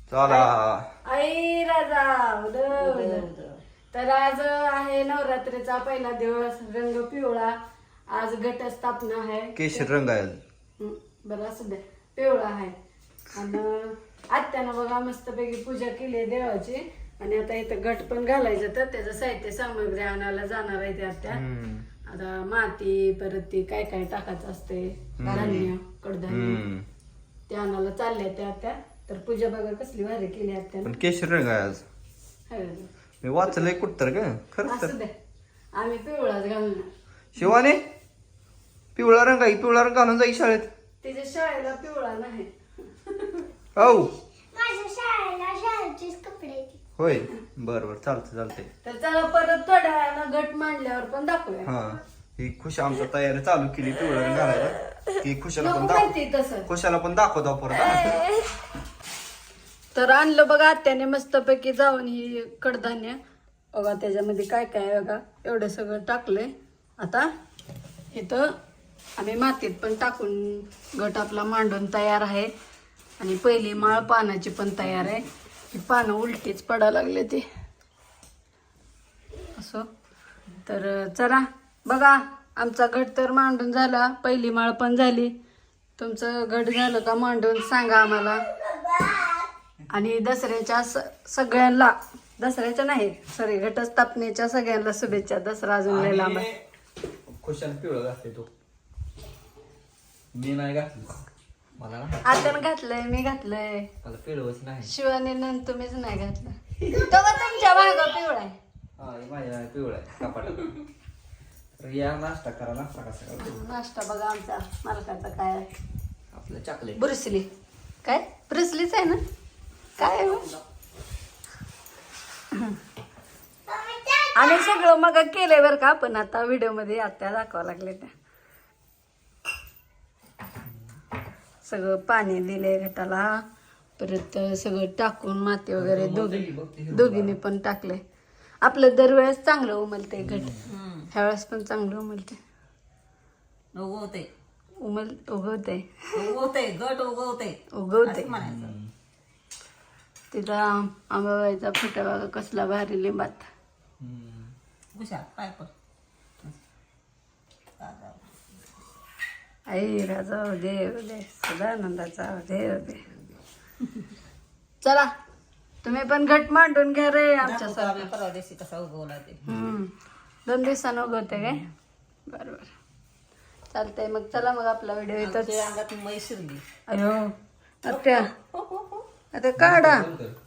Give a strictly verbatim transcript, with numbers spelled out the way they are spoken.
चला आई राजा उदं उदं. तर आज आहे नवरात्रीचा पहिला दिवस. रंग पिवळा. आज घटस्थापना आहे. केशर रंग आहे. हं, बरं असू द्या. पिवळा आहे. आणि आत्यानं बघा मस्तपैकी पूजा केली आहे देवाची. आणि आता इथं घट पण घालायचं तर त्याचं साहित्य सामग्री आणायला जाणार आहे ते आत्या. आता माती परत ती काय काय टाकायचं असते धान्य कडधान्य ते आणायला चालले त्या आत्या. तर पूजा बघा कसली भारी केली आत्या. पण केशर रंग आहे आज. मी वाचलंय कुठ तर ग खरंच तर. असू द्या आम्ही पिवळाच घालणार. शिवाने पिवळा रंग आहे. पिवळा रंग घालून जाई शाळेत. तिच्या शाळेला पिवळा नाही. हो माझ्या शाळेला शाळेचेच कपडे. होय बर बर चालतंय चालतंय. तर चला परत थोड्या वेळानं घट मांडल्यावर पण दाखवूया. हा ही खुश आमच्या तयारी चालू केली पिवळा रंग घालायला. ती खुशाला नको पण दाखव माहिती तसं. खुशाला पण दाखवतो परत हा. तर आणलं बघा आत्याने मस्तपैकी जाऊन ही कडधान्य बघा त्याच्यामध्ये काय काय आहे बघा एवढं सगळं टाकलंय. आता इथं आम्ही मातीत पण टाकून घट आपला मांडून तयार आहे. आणि पहिली माळ पानाची पण तयार आहे. ही पानं उलटीच पडायला लागले ते असं. तर चला बघा आमचा घट तर मांडून झाला. पहिली माळ पण झाली. तुमचं घट झालं का मांडून सांगा आम्हाला. आणि दसऱ्याच्या स सगळ्यांना दसऱ्याच्या नाही सॉरी घटस्थापनेच्या सगळ्यांना शुभेच्छा. दसरा अजून लय लांब आहे. खुशाला पिवळं घातले तो. मी नाही घातलं. मला ना आत्यानं घातलंय मी घातलंय. मला पिवळंच नाही. शिवानी नंतर तुम्हीच नाही घातलं. तो का तुमच्या भागा पिवळा आहे. हा माझ्या पिवळा आहे कपाट. तर या नाश्ता करा. नाश्ता कसा करा. नाश्ता बघा आमचा मालकाचा काय आहे. आपलं चॉकलेट ब्रुसली काय ब्रुसलीच आहे ना काय आहे? आम्ही सगळं मग केलंय बरं का. पण आता व्हिडिओ मध्ये आत्या दाखवा लागले त्या. सगळं पाणी दिलंय घटाला. परत सगळं टाकून माती वगैरे दोघी दोघींनी पण टाकलंय. आपलं दरवेळेस चांगलं उमलते घट. ह्या वेळेस पण चांगलं उमलते. उगवते उमल उगवते उगवते घट उगवते उगवते. म्हणायचं. तिला आंबाबाईचा फुटा बघा कसला भारी लिंबात. हुशार पाय पण आई राजा देव दे सदानंदाचा देव दे. चला तुम्ही पण घट मांडून घ्या रे आमच्या दाखवतो आम्ही परवा दिवशी कसा उगवला ते. हम्म दोन दिवसानं उगवते काय बरोबर चालतंय. मग चला मग आपला व्हिडिओ इथंच. आमच्या अंगात मै शिरली. अयो आत्या आता काढा